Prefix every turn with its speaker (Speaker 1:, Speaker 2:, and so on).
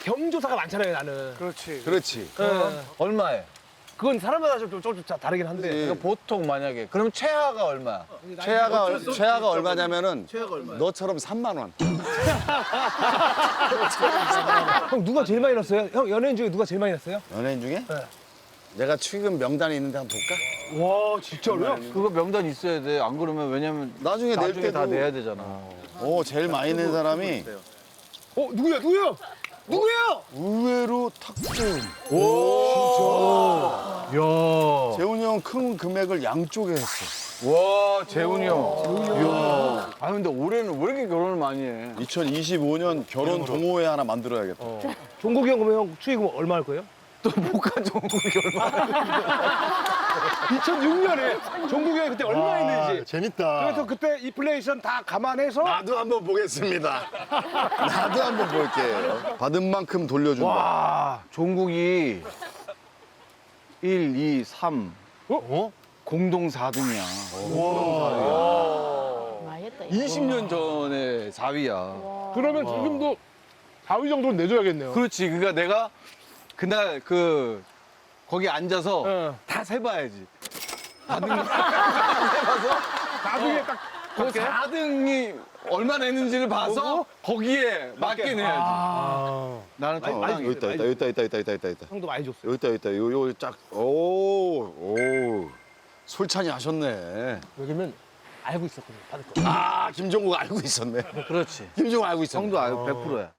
Speaker 1: 경조사가 많잖아요, 나는.
Speaker 2: 그렇지.
Speaker 3: 그렇지.
Speaker 1: 예.
Speaker 4: 얼마에?
Speaker 1: 그건 사람마다 좀 다르긴 한데.
Speaker 4: 그러니까 보통 만약에 그럼 최하가 얼마?
Speaker 3: 최하가 얼마냐면은 너처럼 3만 원.
Speaker 1: 형 누가 제일 많이 넣었어요? 형 연예인 중에 누가 제일 많이 넣었어요?
Speaker 3: 연예인 중에?
Speaker 1: 네.
Speaker 3: 내가 최근 명단이 있는데 한번 볼까?
Speaker 1: 와 진짜로요?
Speaker 4: 그거 명단 있어야 돼. 안 그러면 왜냐면
Speaker 3: 나중에 낼 때도
Speaker 4: 다 내야 되잖아.
Speaker 3: 오, 제일 많이 낸 사람이
Speaker 1: 누구야? 누구예요?
Speaker 3: 의외로 탁재훈.
Speaker 4: 야,
Speaker 3: 재훈이 형 큰 금액을 양쪽에 했어.
Speaker 4: 와 재훈이 형. 이야. 아 근데 올해는 왜 이렇게 결혼을 많이 해?
Speaker 3: 2025년 결혼 동호회 하나 만들어야겠다.
Speaker 1: 종국이 형 그러면 형 추위금 얼마 할 거예요?
Speaker 4: 또 못간 종국이 얼마?
Speaker 1: 2006년에 종국이 형이 그때 얼마 했는지.
Speaker 2: 재밌다.
Speaker 1: 그래서 그때 인플레이션 다 감안해서
Speaker 3: 나도 한번 보겠습니다. 나도 한번 볼게요. 받은 만큼 돌려준다.
Speaker 4: 와 종국이 1, 2, 3 공동 4등이야.
Speaker 5: 많이 했다.
Speaker 4: 20년 전에 4위야.
Speaker 1: 그러면 지금도 4위 정도는 내줘야겠네요.
Speaker 4: 그렇지. 그러니까 내가 그날 거기 앉아서 다 세봐야지.
Speaker 1: 나중에 딱
Speaker 4: 그 4등이 얼마 냈는지를 봐서 거기에 맞게 내야지. 나는 적당히.
Speaker 3: 여기 있다.
Speaker 1: 형도 많이 줬어요.
Speaker 3: 여기 있다. 요 짝. 오. 솔찬이 하셨네.
Speaker 1: 왜냐면 알고 있었거든요. 받을 거.
Speaker 3: 아, 김종국 알고 있었네.
Speaker 4: 그렇지.
Speaker 3: 김종국 알고 있었네.
Speaker 4: 형도 알고 100%야.